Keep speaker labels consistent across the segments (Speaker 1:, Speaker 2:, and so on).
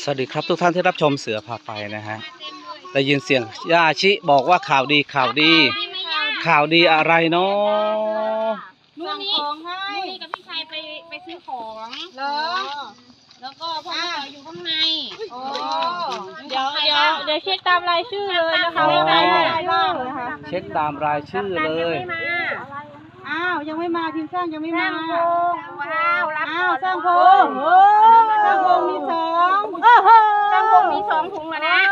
Speaker 1: วัสดีครับทุกท่านที่รับชมเสือพาไปนะฮะได้ยินเสียงย่าชิบอกว่าข่าวดีข่าวดีอะไรเนาะ
Speaker 2: นู่นนี่กับพี่ชายไปซื้อของเหรอแล้วก็พ่ออยู่ข้างในเดี๋ยวเช็คตามรายชื่อเลยนะคะว่าใครบ้างนะคะ
Speaker 1: เช็คตามรายชื่อเลย
Speaker 3: อ้าวยังไม่มาทีมสร้างยังไม่มา
Speaker 2: ว้าวรับ
Speaker 3: สร้างพงสร้างพงมีสอง
Speaker 2: สร้างพงมี2 ถุงแล้วนะ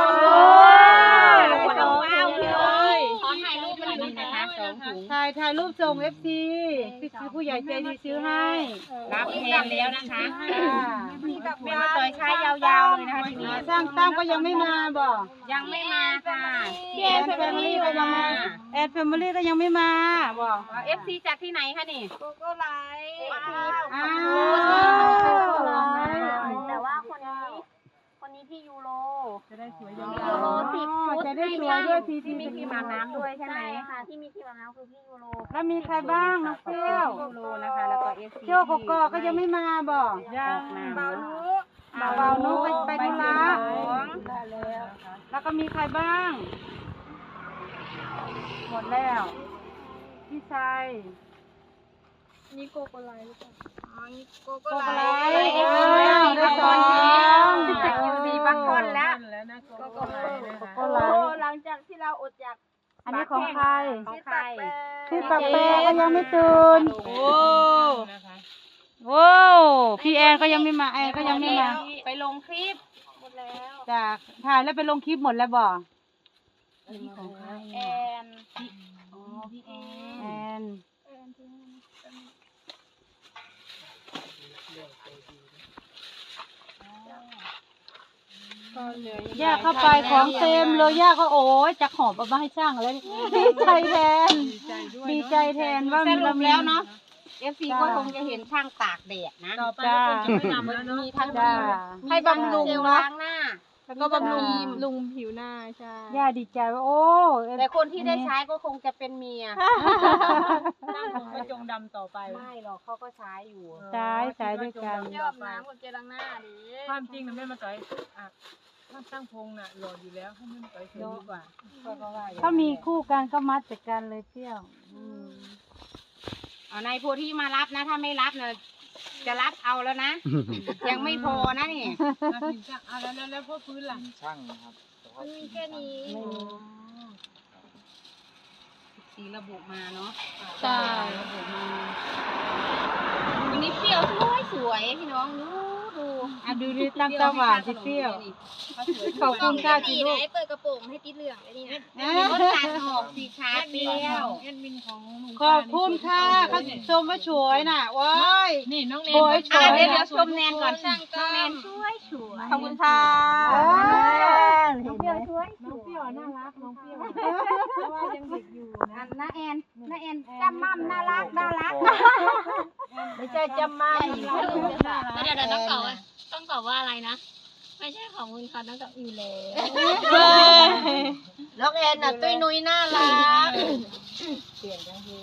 Speaker 2: ว้าวเลยขอถ่ายรูปหน่อยนะคะ2 ถุง
Speaker 3: ถ่ายรูปส่ง FC พี่ซื้อผู้ใหญ่ใจดีซื้อให้
Speaker 2: รับแทนแล้วนะคะเป็นมาต่อยชายยาวๆเลยนะคะทีนี้
Speaker 3: สร้างตั้งก็ยังไม่มาบอก
Speaker 2: ยังไม่มาค่ะ
Speaker 3: แอนแฟมิลี่ก็ยังมาแอนแฟมิลี่ก็ยังไม่มาบอก
Speaker 2: FC จากที่ไหนคะนี่โกโก้ไลท์แต่ว่าคนนี้ที่ยูโรจะได้สวยยูโร10
Speaker 3: จะได้สวยด้วย
Speaker 2: ที่มีครีมอาบน้ำด้วยใช่ไหมค่ะที่มีครีมอาบน้ำคือพี่ยูโร
Speaker 3: แล้วมีใครบ้างน้องเปรี้ยว
Speaker 2: ยูโรนะคะแล้วก็FC
Speaker 3: เที่ยวกก็ยังไม่มาบอก
Speaker 2: ยัง
Speaker 3: เบานุไปธุระแล้วก็มีใครบ้างหมดแล้วพี่ชาย
Speaker 2: นี่โกโก้ไลท์หรือเปล่านี่โกโก้
Speaker 3: ไล
Speaker 2: ท์
Speaker 3: ได้สอง
Speaker 2: ที่จากยูดีบางคนแล้วโกโก้ไลท์หลังจากที่เราอดจาก
Speaker 3: อันนี้ของใคร
Speaker 2: ที่
Speaker 3: ปักแปรก็ยังไม่ตื่นโอ้พี่แอนก็ยังไม่มาแอนก็ยังไม่มา
Speaker 2: ไปลงคลิปหมดแล้ว
Speaker 3: จากถ่ายแล้วไปลงคลิปหมดแล้วบ่
Speaker 2: แอน
Speaker 3: พี่แอนย่าเข้าไปของเต็มเลยย่าก็โอ้ยจะหอบเอามาให้ช่างอะไรดีใจแทนว่ามี
Speaker 2: แล้วเนาะFC ก็คงจะเห็นช่างตากแดดนะ
Speaker 3: จ้า
Speaker 2: มีทั้งให้บำรุงล้างหน้าแล้วก็บำรุงผิวหน้าใช่
Speaker 3: ย่าดีใจว่าโอ้
Speaker 2: แต่คนที่ได้ใช้ก็คงจะเป็นเมีย
Speaker 3: นั่งคงไม่จงดำต่อไป
Speaker 2: ไม่หรอกเขาก็ใช้อยู่
Speaker 3: ใช้ด้วยกัน
Speaker 2: ยอบน้ำคนเจล้างหน้าดิ
Speaker 4: ความจริงนะแม่มาต่อยถ้าตั้งพงน่ะหล่ออยู่แล้วให้แม่มาต่อยสวยดีกว่า
Speaker 3: ถ้ามีคู่กันก็มัดจากกันเลยเที่ยว
Speaker 2: เอานายโพธิมารับนะถ้าไม่รับเนี่ยจะรับเอาแล้วนะยังไม่พอนะนี่
Speaker 4: แล้วพ่อพื้นล่ะ
Speaker 1: ช่างครับ
Speaker 2: มีแค่นี้สีระบุมาเนาะ
Speaker 3: ใช่
Speaker 2: ระบุมาวันนี้เปรี้ยวสวยพี่น้อง
Speaker 3: ดูดิตั้งตาหวานสิเปรี้ยวขอบคุณค่ะที่ลูก
Speaker 2: เปิดกระโปรงให้ติดเหลืองเลยนี่นะรถตัดหอกสีชาเปรี้ยว
Speaker 3: ขอบคุณค่ะเขาชมว่าสวยน่ะว้าย
Speaker 4: นี่น้องเนน
Speaker 2: เดี๋ยวชมแนนก่อนน้องแนนสวยขอบคุณค่ะน้องเปรี้ยวสวย
Speaker 3: น้องเปรี้ยวน่ารักน้องเปรี้ยวเพราะว่ายังเด็กอยู่นะ
Speaker 2: น้าแอนจำมั่มน่ารัก
Speaker 3: ไม่ใช่จำมั่ม
Speaker 2: เดี๋ยวต้องตอบว่าอะไรนะไม่ใช่ของคุณค่ะต้องตอบอยู่แล้วน้องแอนน่ะตุ้ยนุ้ยน่ารัก
Speaker 3: เปลี่ยนจังที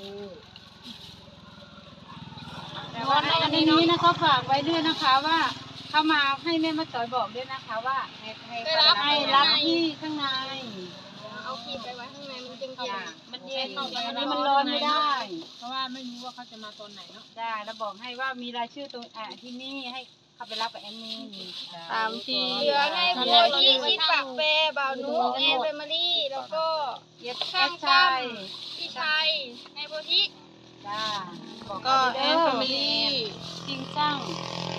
Speaker 3: อันนี้นะคะฝากไว้ด้วยนะคะว่าเข้ามาให้แม่มาต่อยบอกด้วยนะคะว่าให้รับที่ข้างใน
Speaker 2: เอาคีบไปไว้ข้างในมันจึง
Speaker 3: มันเย็นอันนี้มันร้อนไม่ได้
Speaker 4: เพราะว่าไม่รู้ว่าเขาจะมาตอนไหนเนาะ
Speaker 3: ได้แล้วบอกให้ว่ามีรายชื่อตรงที่นี่ให้เข้าไปรับกับแอนนี่
Speaker 2: 3 ทีเหลือให้โพธิชิดปากเปบ่าวนุแอนเฟมิลี่แล้วก็ช่างพี่ชัยให้โพธิ
Speaker 3: จ้า
Speaker 2: ก็แอนเฟมิลี่
Speaker 3: จริงจัง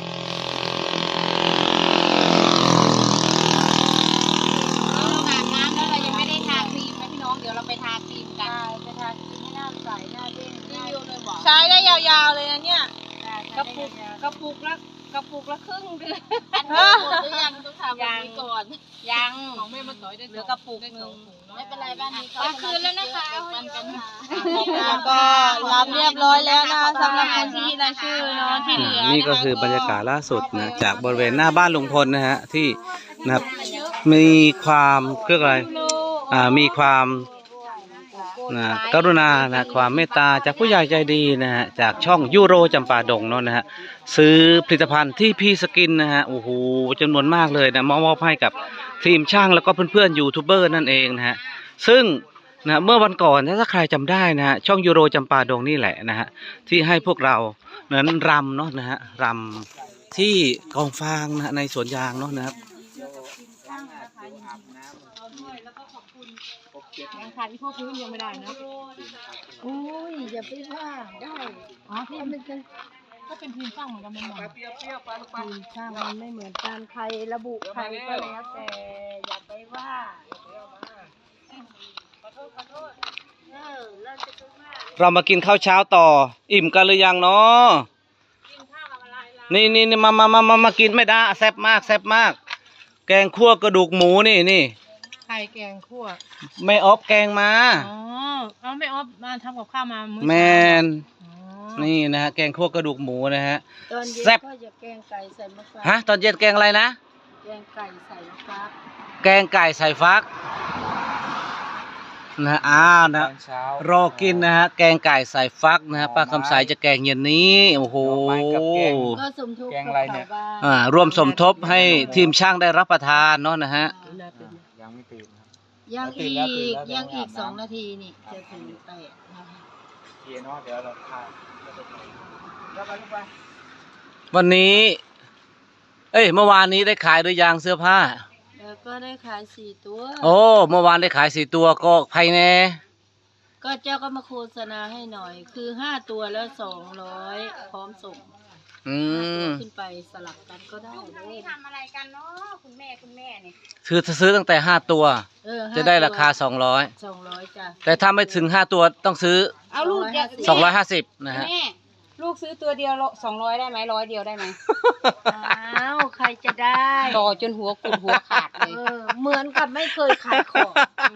Speaker 2: เดี๋ยวเราไปทาครีมกัน
Speaker 3: ไปทาครีมให้หน้าใสหน้าเด้ง
Speaker 2: ใช้ได้ยาวๆเลยนะเนี่ยกระปุกละครึ่งเดือนหรือยังต้องทำแบบนี้ก่อนยัง
Speaker 4: ของแม่มาต่อยได้
Speaker 2: เหลือกระปุกนึงไม่เป็นไรบ้านนี้ก็คืนแล้วนะคะ
Speaker 3: ก็รับเรียบร้อยแล้วนะสำหรับคนที่รายชื่อเนาะที่เหลือ
Speaker 1: นี่ก็คือบรรยากาศล่าสุดนะจากบริเวณหน้าบ้านลุงพลนะฮะที่นะครับมีความเรียกอะไรมีความนะกรุณานะความเมตตาจากผู้ใหญ่ใจดีนะฮะจากช่องยูโรจำปาดงเนาะนะฮะซื้อผลิตภัณฑ์ที่พี่สกินนะฮะโอ้โหจำนวนมากเลยนะมอบให้กับทีมช่างแล้วก็เพื่อนๆยูทูบเบอร์นั่นเองนะฮะซึ่งนะเมื่อวันก่อนถ้าใครจำได้นะฮะช่องยูโรจำปาดงนี่แหละนะฮะที่ให้พวกเรานั้นรำเนาะนะฮะรำที่กองฟางนะฮะในสวนยางเนาะนะครับ
Speaker 2: ยังขาดที่พวกพื้นยังไม่ได้นะ
Speaker 3: โอ้ยอย่าไปว่าได้อ๋อที่มันจะ
Speaker 2: ก็เป็นทีมสร้างเหมือนกันเป็นหมอ
Speaker 3: ทีมช่างมันไม่เหมือนกันใครระบุใครก็แล้วแต่อย่าไปว่าเราจะไปว่า
Speaker 1: เรามากินข้าวเช้าต่ออิ่มกันหรือยังเนาะนี่มากินไม่ได้แซ่บมากแซ่บมาก แกงคั่วกระดูกหมูนี่
Speaker 2: ไข่แกงคั่ว
Speaker 1: ไม่ออฟแกงมา
Speaker 2: อ๋อเอาไม่ออฟมาทำกับข้าวมามื้อ
Speaker 1: แม
Speaker 2: เช้า
Speaker 1: น
Speaker 2: อ๋อ
Speaker 1: นี่นะฮะแกงคั่วกระดูกหมูนะฮะ
Speaker 3: ตอนเย็น
Speaker 1: แซ่บ
Speaker 3: ก็จะแกงไก่ใส่มะฟ้า
Speaker 1: ฮะตอนเย็นแกงอะไรนะ
Speaker 3: แกงไก่ใส่มะฟ้า
Speaker 1: แกงไก่ใส่ฟักนะอ้าวนะรอกินนะฮะแกงไก่ใส่ฟักนะฮะป้าคำสายจะแกงเย็นนี้โอ้โห
Speaker 3: ก็สมทบกับเขาบ้าง
Speaker 1: ร่วมสมทบให้ทีมช่างได้รับประทานเนาะนะฮะ
Speaker 5: ยังไม่ตื่นครับ
Speaker 3: ยังอีก2 นาทีนี่จะถึง8นะคะ
Speaker 5: เทียนเนาะเดี๋ยวเราถ่ายแล้วไปลูกไป
Speaker 1: วันนี้ เมื่อวานนี้ได้ขายหรือยังเสื้อผ้า
Speaker 3: แล้วก็ได้ขาย4 ตัว
Speaker 1: โอ้เมื่อวานได้ขาย4 ตัวก็ภายใน
Speaker 3: ก็เจ้าก็มาโฆษณาให้หน่อย คือ5 ตัวแล้ว200พร้อมส่ง
Speaker 1: อืม
Speaker 3: ขึ้นไปสลับกันก็ได้เลย
Speaker 2: ทำอะไรกันเนาะคุณแม่เนี่ย
Speaker 1: ซื้อตั้งแต่5 ตัว
Speaker 3: 5
Speaker 1: จะได้ราคา
Speaker 3: 200จ้ะ
Speaker 1: 200แต่ถ้าไม่ถึง5 ตัวต้องซื้อ
Speaker 2: เอาลูกเดียว
Speaker 1: 250นะฮะ
Speaker 2: แม่ลูกซื้อตัวเดียว200ได้ไหม100 เดียวได้ไหม
Speaker 3: อ้าวใครจะได้
Speaker 2: ต่อจนหัวกุดหัวขาดเลย
Speaker 3: เหมือนกับไม่เคยขายของ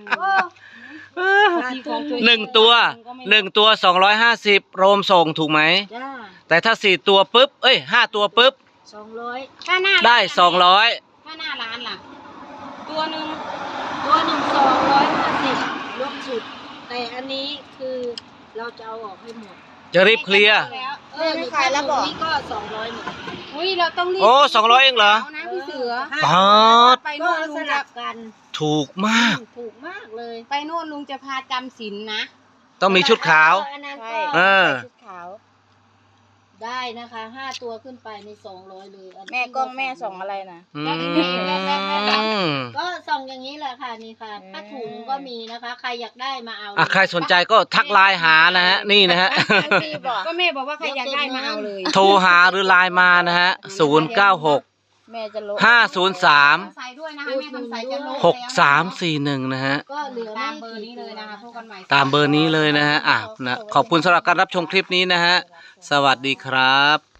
Speaker 3: ขาดทุน
Speaker 1: 1 ตัว250รวมส่งถูกไหม
Speaker 3: จ้า
Speaker 1: แต่ถ้า4 ตัวปุ๊บ5 ตัวปุ๊บ
Speaker 3: 200
Speaker 2: ถ้าหน้า
Speaker 1: ได้
Speaker 2: ถ้าหน้าร้านล่ะ ตัวหนึ่ง
Speaker 3: ตัวหนึ่ง250รวมสุด แต่อันนี้คือเราจะเอาออกให้หมด
Speaker 1: 200จะรีบเคลียร์
Speaker 3: ไม่ขายแล้วบอกนี่ก็200หมด
Speaker 2: อุ้ยเราต้องรีบ
Speaker 1: โอ้200เองเหรอ
Speaker 2: นะพี่เสือ
Speaker 1: ป๊าด
Speaker 2: ไป
Speaker 3: ก็
Speaker 2: โน่น
Speaker 3: ส
Speaker 2: ลุง
Speaker 3: ลั
Speaker 2: จะ
Speaker 3: บกัน
Speaker 1: ถูกมาก
Speaker 3: ถูกมากเลย
Speaker 2: ไปโน่นลุงจะพาจำศีลนะ
Speaker 1: ต้องมีชุดขาว
Speaker 3: อันนั้น
Speaker 2: ใช่
Speaker 3: ก็
Speaker 2: ชุดขาว
Speaker 3: ได้นะคะ5 ตัวขึ้นไปใน200เลยอันนี้
Speaker 2: แม่กล้องแม่ส่องอะไรนะ
Speaker 1: อืม
Speaker 3: ก็ส่องอย่างนี้แหละค่ะนี่ค่ะผ้าถุงก็มีนะคะ ใครอยากได้มาเอา
Speaker 1: ใครสนใจก็ทักไลน์หานะฮะ นี่นะฮะ
Speaker 2: ก็แม่บอกว่าใครอยากได้มาเอาเลย
Speaker 1: โทรหาหรือไลน์มานะฮะ 096
Speaker 3: แม่จะลด
Speaker 1: 503
Speaker 2: ใส่ด้วยนะคะแม่ทำใส่จะลง
Speaker 1: 6341 นะฮะ
Speaker 3: ก็เหลือ
Speaker 2: ตา
Speaker 3: ไม่
Speaker 2: มเบอร์นี้เลยนะคะพบกันใหม่
Speaker 1: ตามเบอร์นี้เลยนะฮะ นะขอบคุณสำหรับการรับชมคลิปนี้นะฮะ สวัสดีครับ